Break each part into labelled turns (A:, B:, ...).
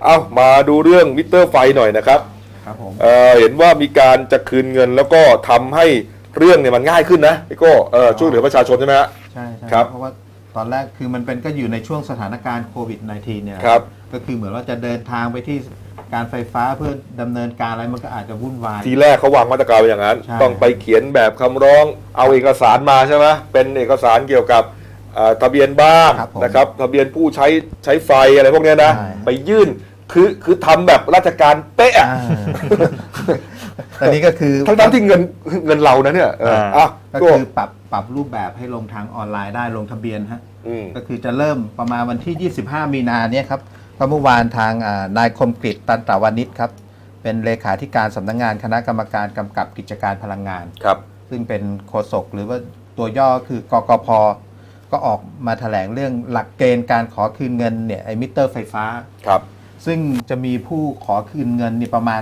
A: เอามาดูเรื่องมิเตอร์ไฟหน่อยนะครับ
B: ครับผม
A: เห็นว่ามีการจะคืนเงินแล้วก็ทำให้เรื่องเนี่ยมันง่ายขึ้นนะพี่โก้ช่วยเหลือประชาชนใช่ไหมฮะ
B: ใช่
A: ครับ
B: เพราะว่าตอนแรกคือมันเป็นก็อยู่ในช่วงสถานการณ์โควิด -19 เนี่ย
A: ครับ
B: ก็คือเหมือนว่าจะเดินทางไปที่การไฟฟ้าเพื่อดำเนินการอะไรมันก็อาจจะวุ่นวาย
A: ทีแรกเขาวางมาตรการไว้อย่างนั้น
B: ใช่
A: ต้องไปเขียนแบบคำร้องเอาเอกสารมาใช่ไหมเป็นเอกสารเกี่ยวกับทะเบียนบ้านนะครับทะเบียนผู้ใช้ไฟอะไรพวกนี้นะไปยื่นคือทำแบบราชการเป๊ะ
B: ตอนนี้ก็คือ
A: ทั้งที่เงินเรานะเนี่ย
B: ก็คือปรับรูปแบบให้ลงทางออนไลน์ได้ลงทะเบียนฮะก็คือจะเริ่มประมาณวันที่ 25 มีนาเนี่ยครับเพราะเมื่อวานทางนายคมกฤษตันตวานิชครับเป็นเลขาธิการสำนักงานคณะกรรมการกำกับกิจการพลังงาน
A: ครับ
B: ซึ่งเป็นโฆษกหรือว่าตัวย่อคือกกพ.ก็ออกมาแถลงเรื่องหลักเกณฑ์การขอคืนเงินเนี่ยไอ้มิเตอร์ไฟฟ้า
A: ครับ
B: ซึ่งจะมีผู้ขอคืนเงินนี่ประมาณ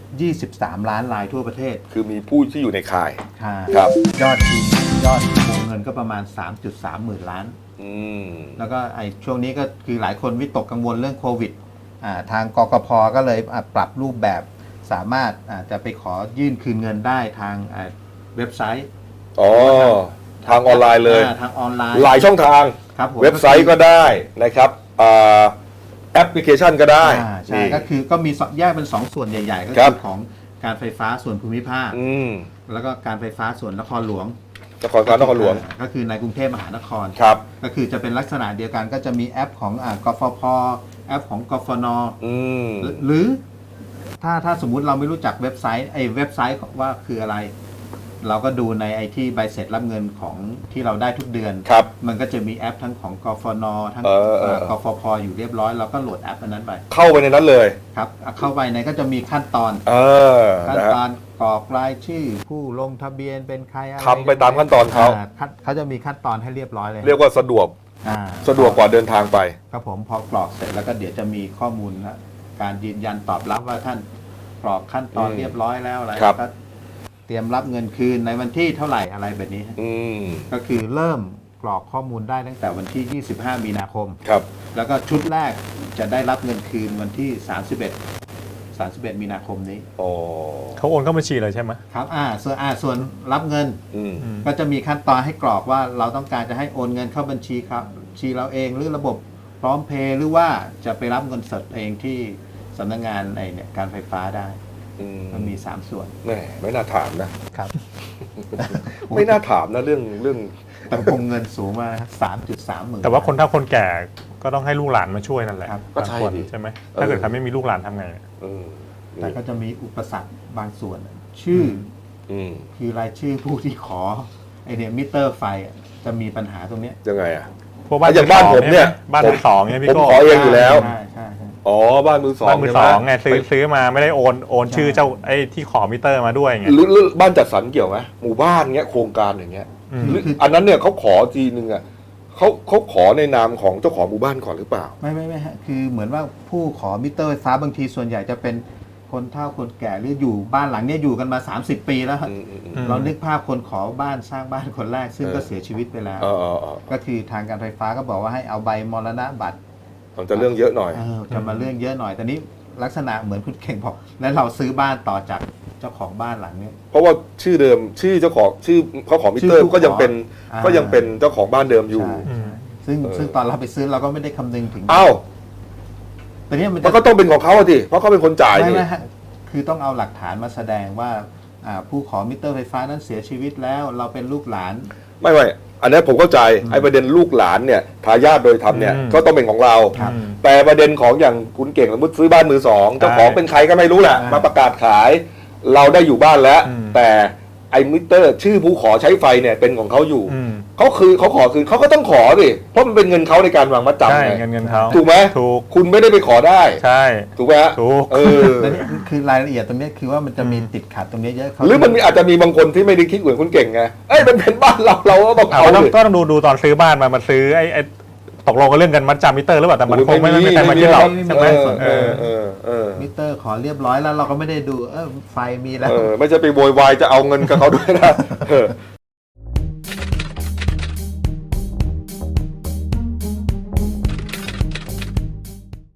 B: 23 ล้านรายทั่วประเทศ
A: คือมีผู้ที่อยู่ในข่าย
B: ครับยอดวงเงินก็ประมาณ 3.3 หมื่นล้านแล้วก็ไอ้ช่วงนี้ก็คือหลายคนวิตกกังวลเรื่องโควิดทางกกพ.ก็เลยปรับรูปแบบสามารถจะไปขอยื่นคืนเงินได้ทางเว็บไซต์
A: ทางออนไลน์เลย
B: ทางออนไลน์
A: หลายช่องทางเว็บไซต์ก็ได้นะครับแอปพลิเคชันก็ได้
B: ใช่ก็คือก็มีแยกเป็น2ส่วนใหญ่ๆก็คือของการไฟฟ้าส่วนภูมิภาคแล้วก็การไฟฟ้าส่วนนครหลวง
A: นครหลวง
B: ก็คือในกรุงเทพมหานคร
A: ครับ
B: ก็คือจะเป็นลักษณะเดียวกันก็จะมีแอปของกฟผ.แอปของกฟน.หรือถ้าสมมุติเราไม่รู้จักเว็บไซต์เว็บไซต์ว่าคืออะไรเราก็ดูในไอที่ใบเสร็จรับเงินของที่เราได้ทุกเดือนมันก็จะมีแอปทั้งของกฟน.ทั้งกฟผ.อยู่เรียบร้อยเราก็โหลดแอปอันนั้นไป
A: เข้าไปในนั้นเลย
B: ครับเข้าไปในก็จะมีขั้นตอนกรอกรายชื่อผู้ลงทะเบียนเป็นใครอะไร
A: ทำไปตามขั้นตอน
B: เขาจะมีขั้นตอนให้เรียบร้อยเลย
A: เรียกว่าสะดวกกว่าเดินทางไป
B: ครับผมพอกรอกเสร็จแล้วก็เดี๋ยวจะมีข้อมูลการยืนยันตอบรับว่าท่านกรอกขั้นตอนเรียบร้อยแล้วอะไรก็เตรียมรับเงินคืนในวันที่เท่าไหร่อะไรแบบนี้ก็คือเริ่มกรอกข้อมูลได้ตั้งแต่วันที่ 25 มีนาคม
A: ครับ
B: แล้วก็ชุดแรกจะได้รับเงินคืนวันที่ 31 มีนาคมนี้
C: เขาโอนเข้าบัญชีเลยใช่ไหม
B: ครับส่วนรับเงินก็จะมีขั้นตอนให้กรอกว่าเราต้องการจะให้โอนเงินเข้าบัญชีครับบัญชีเราเองหรือระบบพร้อมเพย์หรือว่าจะไปรับเงินสดเองที่สำนักงานการไฟฟ้าได้มันมี3ส่วน
A: ไม่น่าถามนะครับ ไม่น่าถามนะเรื่อง
B: แต่วงเงินสูงมาก3.3 หมื่น
C: แต่ว่าคนเฒ่าคนแก่ก็ต้องให้ลูกหลานมาช่วยนั่นแหละ
A: ก็ใช่
C: ใช่ไหมถ้าเกิดใครไม่มีลูกหลานทำไง
B: แต่ก็จะมีอุปสรรคบางส่วนชื่อคือรายชื่อผู้ที่ขอมิเตอร์ไฟจะมีปัญหาตรงนี้
A: ยังไง
C: พวกบ้านอย่าง
A: บ้านผมเนี่ย
C: บ้านมือสองเนี่ยพี่
A: ก็ขอเองอยู่แล้ว
B: ใช่
A: บ้านมือสอง
C: ไงซื้อมาไม่ได้โอนชื่อเจ้าไอ้ที่ขอมิเตอร์มาด้วยไง
A: หรือบ้านจัดสรรเกี่ยวไหมหมู่บ้านเงี้ยโครงการอย่างเงี้ยอันนั้นเนี่ยเขาขอทีนึงเขาขอในนามของเจ้าของหมู่บ้านก่อนหรือเปล่า
B: ไม่ฮะคือเหมือนว่าผู้ขอมิเตอร์ไฟฟ้าบางทีส่วนใหญ่จะเป็นคนเฒ่าคนแก่หรืออยู่บ้านหลังนี้อยู่กันมา30 ปีแล้วเรานึกภาพคนขอบ้านสร้างบ้านคนแรกซึ่งก็เสียชีวิตไปแล้วก็คือทางการไฟฟ้าก็บอกว่าให้เอาใบมรณบัตร
A: มันจะเรื่องเยอะหน่อย
B: จะมาเรื่องเยอะหน่อยแต่นี้ลักษณะเหมือนคุณเก่งบอกแล้วเราซื้อบ้านต่อจากเจ้าของบ้านหลังนี้
A: เพราะว่าชื่อเดิมชื่อเจ้าของชื่อเขาของมิเตอร์ก็ยังเป็นเจ้าของบ้านเดิมอยู่
B: ซึ่งตอนเราไปซื้อเราก็ไม่ได้คำนึงถึงแต่นี้
A: มันก็ต้องเป็นของเขาสิเพราะเขาเป็นคนจ่าย
B: ไม่คือต้องเอาหลักฐานมาแสดงว่าผู้ขอมิเตอร์ไฟฟ้านั้นเสียชีวิตแล้วเราเป็นลูกหลาน
A: ไม่อันนี้ผมเข้าใจไอ้ประเด็นลูกหลานเนี่ยทายาทโดยธรรมเนี่ยก็ต้องเป็นของเราแต่ประเด็นของอย่างคุณเก่งสมมติซื้อบ้านมือสองเจ้าของเป็นใครก็ไม่รู้แหละมาประกาศขายเราได้อยู่บ้านแล้วแต่ไอ้มิเตอร์ชื่อผู้ขอใช้ไฟเนี่ยเป็นของเขาอยู่เขาขอคืนเขาก็ต้องขอสิเพราะมันเป็นเงินเขาในการวางมัดจำไง
C: เงินเขา
A: ถูกไหม
C: ถูก
A: คุณไม่ได้ไปขอได้
C: ใช่
A: ถูกไหมฮะ
C: ถูก
B: แล้วนี่คือรายละเอียดตรงนี้คือว่ามันจะมีติดขัดตรงนี้เยอะ
A: หรือมันอาจจะมีบางคนที่ไม่ได้คิดเหมือนคุณเก่งไงมันเป็นบ้านเราก็ต้องเอา
C: ต้องดูตอนซื้อบ้านมาซื้อไอ้ตกลงกันเรื่องกันมัดจำมิเตอร์หรือเปล่าแต่มันคงไม่มีใครมาคิดหรอกใช่ไหม
B: มิเตอร์ขอเรียบร้อยแล้วเราก็ไม่ได้ดูไฟมีแล้ว
A: ไม่ใช่ไปโวยวายจะเอาเงินกับเขาด้วยนะ